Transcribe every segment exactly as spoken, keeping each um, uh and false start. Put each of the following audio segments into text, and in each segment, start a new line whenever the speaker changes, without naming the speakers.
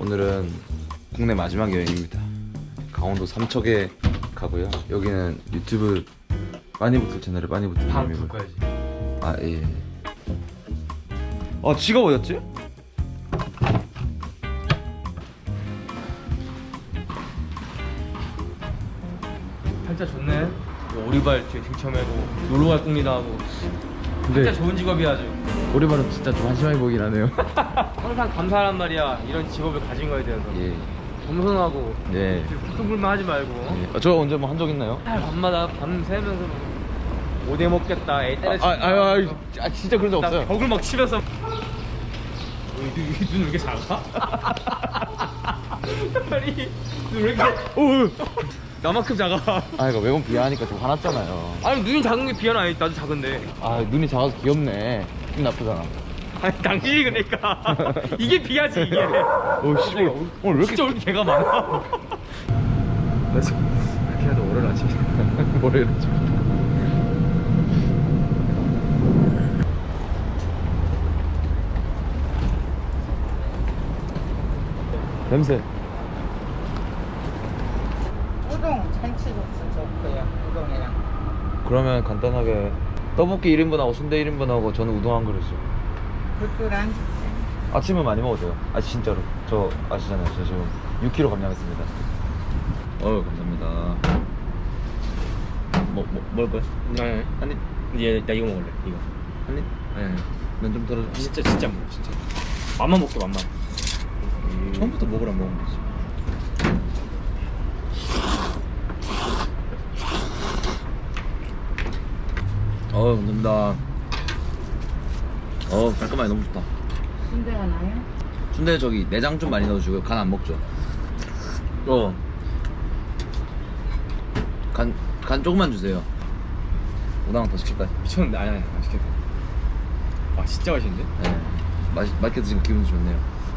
오늘은 국내 마지막 여행입니다. 강원도 삼척에 가고요. 여기는 유튜브 빠니부틀 채널의 빠니부틀
바로
님이고.
불 거야지.
아 예. 아 지가 어딨지?
팔자 좋네. 뭐 오리발 뒤에 등쳐매고 놀러갈 꿈이다 하고. 진짜 좋은 직업이야 아주.
오리발은 진짜 좀 한심하게 보이긴 하네요.
항상 감사하란 말이야. 이런 직업을 가진 거에 대해서.
예.
겸손하고.
예.
불평불만 하지 말고.
예. 아, 저 언제 뭐 한 적 있나요?
아, 밤마다 밤 새면서 뭐 오대 먹겠다. 애 때려.
아, 아, 아, 아, 아 진짜 그런 적 없어요.
벽을 막 치면서. 눈 왜 이렇게 작아? 아니 눈 왜 이렇게? 오. 나만큼 작아.
아 이거 매번 비하하니까 좀 화났잖아요.
아니 눈이 작은 게 비하는 아니 나도 작은데.
아 눈이 작아서 귀엽네. 기분 나쁘잖아.
아니 당신이 그러니까 이게 비하지 이게.
오씨 오늘 왜 이렇게
진짜 왜 이렇게 개가 많아?
그래서 이렇게 해도 월요일 아침 월요일 아침 냄새.
우동 참치국수 좋고요. 우동이랑
그러면 간단하게 떡볶이 일 인분하고 순대 일 인분하고 저는 우동 한 그릇이요.
굴dur한
아침은 많이 먹어도 돼요. 아 진짜로 저 아시잖아요. 저 지금 육 킬로그램 감량했습니다. 어유 감사합니다. 뭐 뭐 먹을 거야?
네.
한입
얘, 나 이거 먹을래. 이거.
한입? 네. 면좀 덜어줘.
진짜 진짜 먹어 진짜. 맘만 먹게 맘만.
처음부터 먹으라 먹으면 되지. 어우 감사합니다. 어우 깔끔하게 너무 좋다.
순대가 나요?
순대 저기 내장 좀 많이 넣어주고요. 간 안 먹죠. 어. 간, 간 조금만 주세요. 오나랑 더 시킬까요?
미쳤는데 아니 아니 맛있겠다. 아 진짜 맛있는데?
네. 맛, 맛있게 드시니까 기분이 좋네요.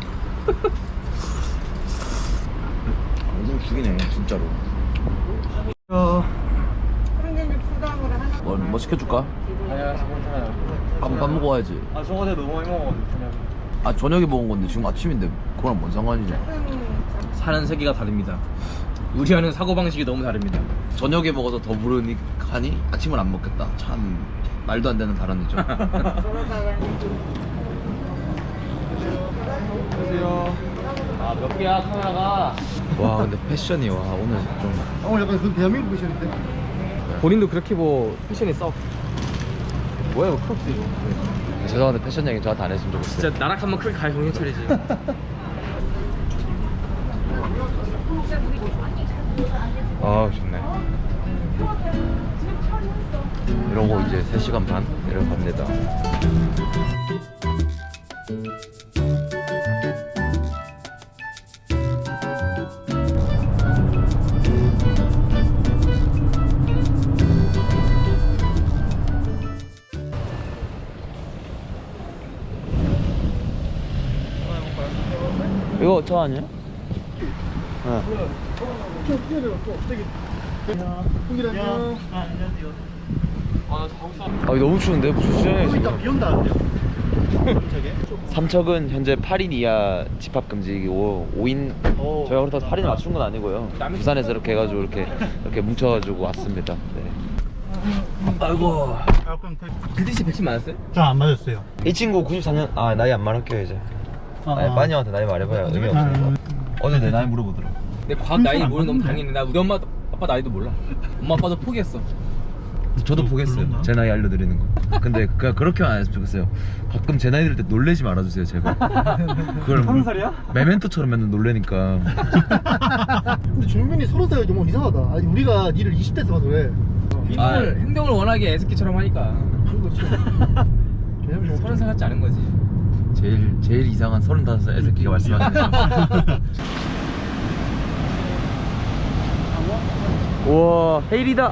오늘 죽이네 진짜로. 어.
그런데 이제 부담으로 하나.
뭐, 뭐 시켜줄까?
아니야 괜찮아요.
밥, 밥 먹고 와야지.
아 저번에 너무 많이 먹었는데 저녁에.
아 저녁에 먹은 건데 지금 아침인데 그거랑 뭔 상관이냐.
사는 세계가 다릅니다. 우리와는 사고방식이 너무 다릅니다.
저녁에 먹어서 더 부르니까니 아침을 안 먹겠다. 참 말도 안 되는 발언이죠.
그러다가
안녕하세요. 아 몇 개야 카메라가?
와 근데 패션이 와 오늘 좀
오늘 약간 그 대한민국 패션인데?
본인도 그렇게 뭐 패션이 써. 뭐야 이거 크롭스 이거.
죄송한데 패션 얘기 저한테 안 했으면 좋겠어요.
진짜 나락 한번 크게 갈 정신 차리지.
아 좋네. 이러고 이제 세 시간 반 내려갑니다. 이거 저 아니에요? 네.
형님 안녕.
아나 자고 있어.
아 너무 추운데 무슨 시간이에요
일단
지금?
비 온다는데요? 저게?
삼척은 현재 팔 인 이하 집합 금지이고 오 인
오.
저희가 그렇다고 팔 인 맞춘 건 아니고요. 부산에서 이렇게 해가지고 이렇게 이렇게 뭉쳐가지고 왔습니다. 네. 아이고.
아, 그럼
글씨 백신 맞았어요?
저안 맞았어요.
이 친구 구십사 년 아 나이 안 말할게요 이제.
아,
아니
아.
빠니한테 나이 말해봐야 의미 없으니까. 어제 내 나이 물어보더라.
내 과학 나이
안
모르는 너무
맞는데?
당연히 나 우리 엄마 아빠 나이도 몰라. 엄마 아빠도 포기했어.
저도 보겠어요.
그런가?
제 나이 알려드리는 거. 근데 그냥 그렇게만 안 했으면 좋겠어요. 가끔 제 나이 들을 때 놀래지 말아주세요 제발. 그걸
서른 살이야?
메멘토처럼 맨날 놀래니까.
근데 준민이 서른 살이 너무 이상하다. 아니 우리가 니를 이십 대에서 봐서 왜?
행동을 행동을 워낙에 애스키처럼 하니까
그렇죠. 왜냐면
서른 살 같지 않은 거지.
제일 제일 이상한 서른다섯 살 애새끼가 말씀하시네요. 우와 헤일이다.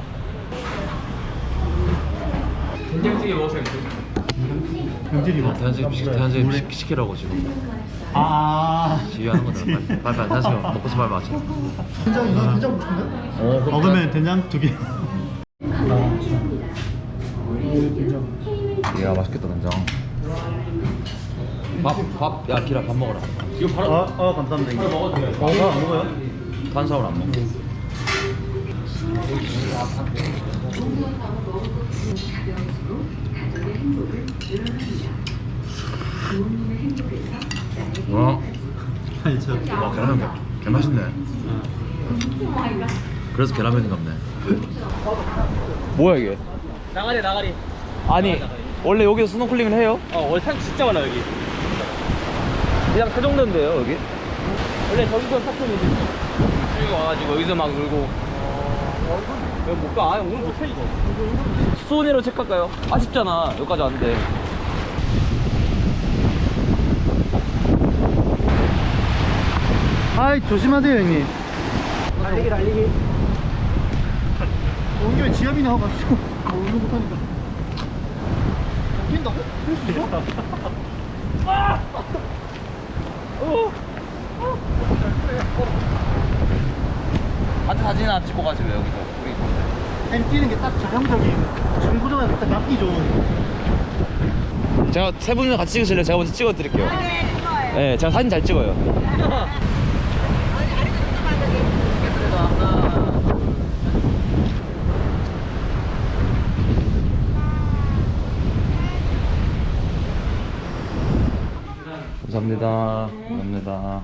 된장찌개 먹어서 힘들어.
병질이 뭐?
대한제육 대한제육 시키라고 지금
아.
지휘하는 거잖아. 빨리 빨리 빨리 대한제육 먹고서 말 맞춰.
된장 이거 된장 먹는데?
어
먹으면 된장 두 개.
이야 맛있겠다 된장. 밥, 밥, 야 기라 밥 먹어라.
이거 바로
아, 아 감사합니다.
바로 먹어도 돼요.
어, 안 먹어요?
탄수화물 안 먹어. 와,
아니 저
와 계란면 개, 개 맛있네. 그래서 계란면인 갑네. 뭐야 이게?
나가리 나가리.
아니 원래 여기서 스노클링을 해요?
어 원래 산 진짜 많아 여기.
그냥 그 정도인데요 여기?
원래 저기서 사촌이지. 여기 와가지고 여기서 막 놀고. 어, 여기 못 가. 아, 오늘 못해 이거.
수온이로 체크할까요? 아쉽잖아 여기까지 왔는데.
아이 조심하세요 형님.
달리기 달리기.
온 김에 지압이나 하고 가시고 운동 못하니까. 뛴다고? 할수 있어?
단체 사진이나 찍고 가지 왜 여기서 우리.
햄 뛰는 게 딱 전형적인 정구조가 딱 맞기 좋은.
제가 세 분이랑 같이 찍으실래요? 제가 먼저 찍어 드릴게요. 네, 제가 사진 잘 찍어요. 감사합니다. 감사합니다.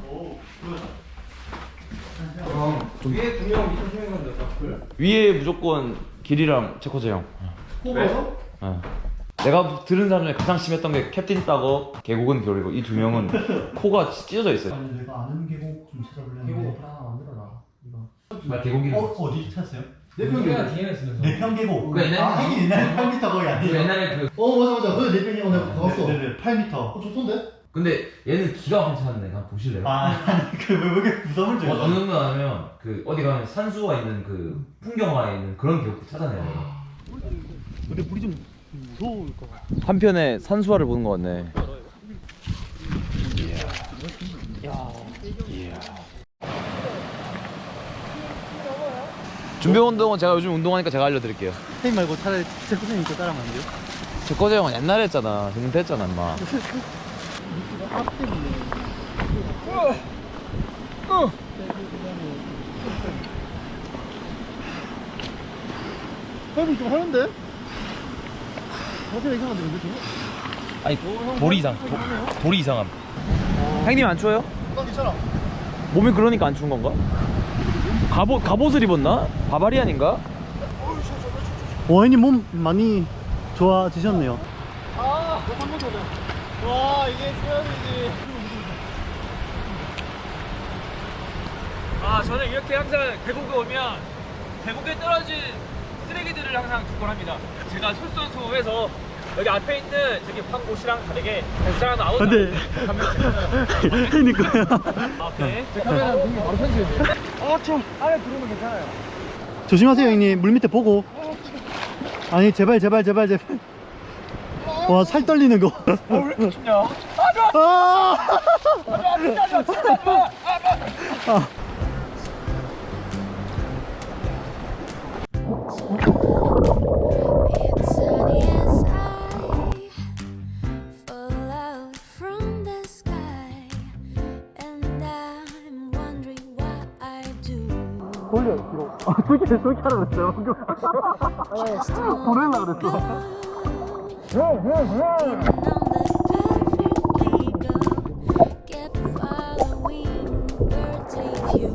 좀 위에 두 명, 밑에 세 명인데
위에 무조건 길이랑 체코제 형.
호가서?
네. 내가 들은 사람 중에 가장 심했던 게 캡틴 따거, 계곡은 겨울이고 이 두 명은 코가 찢어져 있어요.
아니 내가 아는 계곡 좀 찾아보려면 계곡 하나 만들어라 이거.
말 계곡이.
어 어디 찾았어요?
내평 디엔에스 쓰면서.
내평 계곡.
그 옛날에-
아 하긴 옛날에 팔 미터 거의 아니에요.
옛날에 그.
어 맞아 맞아. 그 내평 계곡 내가 가봤어.
네네.
팔 미터. 어 좋던데?
근데 얘는 기가 막히게 찾았네. 한번 보실래요?
아, 아니 그왜 그렇게 부담을
어,
줘요?
어느 정도 하면 그 어디 가면 산수가 있는 그 풍경화에 있는 그런 계곡도 찾아내요.
근데 물이 좀 무서울 것 같아.
한편에 산수화를 보는 것 같네. 준비 운동은 제가 요즘 운동하니까 제가 알려드릴게요.
선생님 말고 차라리 제 선생님 거 따라하면 안 돼요?
제 거제 형은 옛날에 했잖아. 지금 됐잖아, 임마.
앞 때문에. 헬멧 좀 하는데? 자세가 이상한데 근데 지금?
아니 돌이 이상. 도, 돌이 이상함. 형님 안 추워요?
난 괜찮아.
몸이 그러니까 안 추운 건가? 갑옷 갑옷을 입었나? 바바리안인가?
와인님 몸 많이 좋아지셨네요. 아, 한번 더. 와, 이게 수영이지.
아 저는 이렇게 항상 계곡에 오면 계곡에 떨어진 쓰레기들을 항상 주곤합니다. 제가 솔선수범해서 여기 앞에 있는 저기 황곳이랑 다르게 사람 아웃.
근데 그니까요.
오케이.
카메라 등에 바로 편집해. 아, 참. 안에 들어오면 괜찮아요. 조심하세요, 형님. 물 밑에 보고. 아니, 제발, 제발, 제발, 제발. 와, 살 떨리는 거.
어, 왜 이렇게 춥냐?
아! 아.
It's sunny as I fall out from the sky, and I'm wondering what I do.
돌려, 뒤로. 아, 저렇게, 저렇게 하라고 그랬어요, 방금. 보내려고 그랬어.
Kept following birds with you.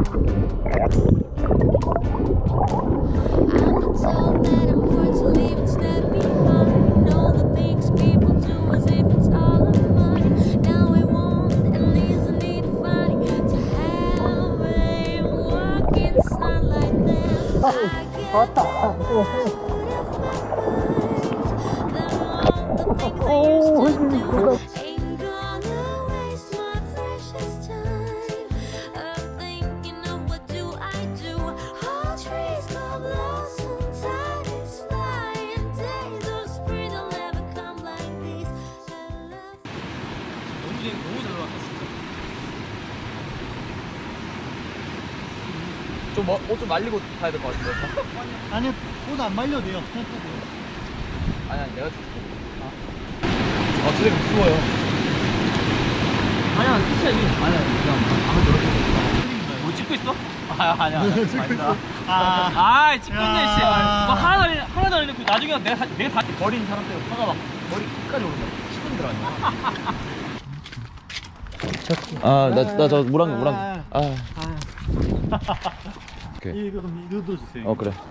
I'm not told that I'm going to leave and step behind all the things people do as if it's all of mine. Now it won't and isn't it funny to have a walk in sunlight then I get oh, ain't gonna waste my precious time of thinking of what do I do. All trees go blossom, time is flying, days of spring will never come like these. And love
너무 잘 너무 잘 나왔다 진짜.
좀옷 좀 말리고 타야 될 것 같은데.
아니, 옷 안 말려도 돼요. 그냥 타도.
아니 아니 내가 줄게. 아, 아, 쓰레기 무서워요.
아니야, 끝이야, 이게. 아니야, 그냥 방금 들었어. 뭐 찍고 있어? 아, 아니야. 아니다. 아, 아, 찍고 있네, 씨. 뭐 하나 더, 알려- 하나 더 알려놓고 나중에 내가, 다- 내가 다 버린 사람 때문에 화가 막 머리 끝까지 오른다. 십 분 들어왔네.
아, 나 나 저 물한 물한. 아. 오케이.
이거 좀 이거 주세요.
어 그래.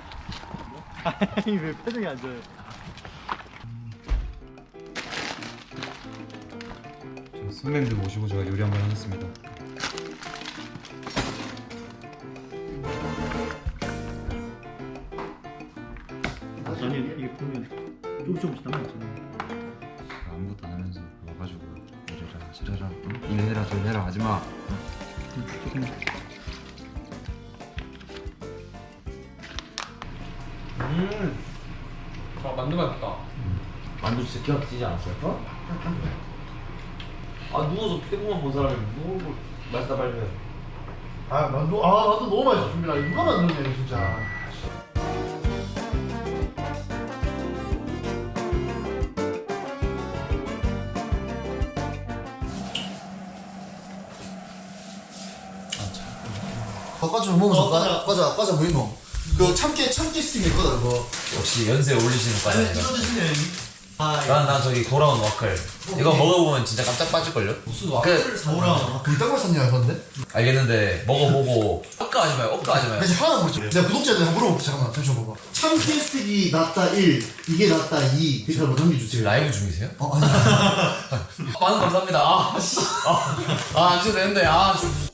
아니 왜 표정이 안 좋아요?
선배님들 모시고 제가 요리 한번 하겠습니다.
아니 이게 보면 조금씩 조금씩 남아있잖아요.
아무것도 안 하면서 와가지고 이래라 저래라 응? 이래라 저래라 하지마.
음. 아, 만두 맛있다.
만두 진짜 기가 막히지 않았어요? 어? 아 누워서 피부만 본 사람이 뭐 맛있다 빨리 해.
아 만두 아 만두 너무 맛있습니다. 누가 만드냐 진짜.
과자 좀 먹으면서 과자 과자 과자 뭐 있노? 그 참깨 참깨 스틱 있거든 그거.
역시 연세 올리시는
아니
과자입니다.
이거 드시네. 아
난, 난 저기 돌아온 와클. 이거 먹어보면 진짜 깜짝 빠질걸요?
무슨
그,
와플 사오라. 그딴 걸 샀냐 그런데?
알겠는데, 먹어보고, 억까하지 마요, 억까하지 마요.
나 지금 하나 모르겠어. 내가 구독자들 한번 물어볼게. 잠깐만 잠시만 봐봐. 참깨 스틱이 낫다 일, 이게 낫다 이. 댓글 한번
지금
남겨주세요.
라이브 중이세요?
어 아니.
많은 감사합니다. 아, 씨. 아, 아, 안 줘도 되는데, 아, 좀.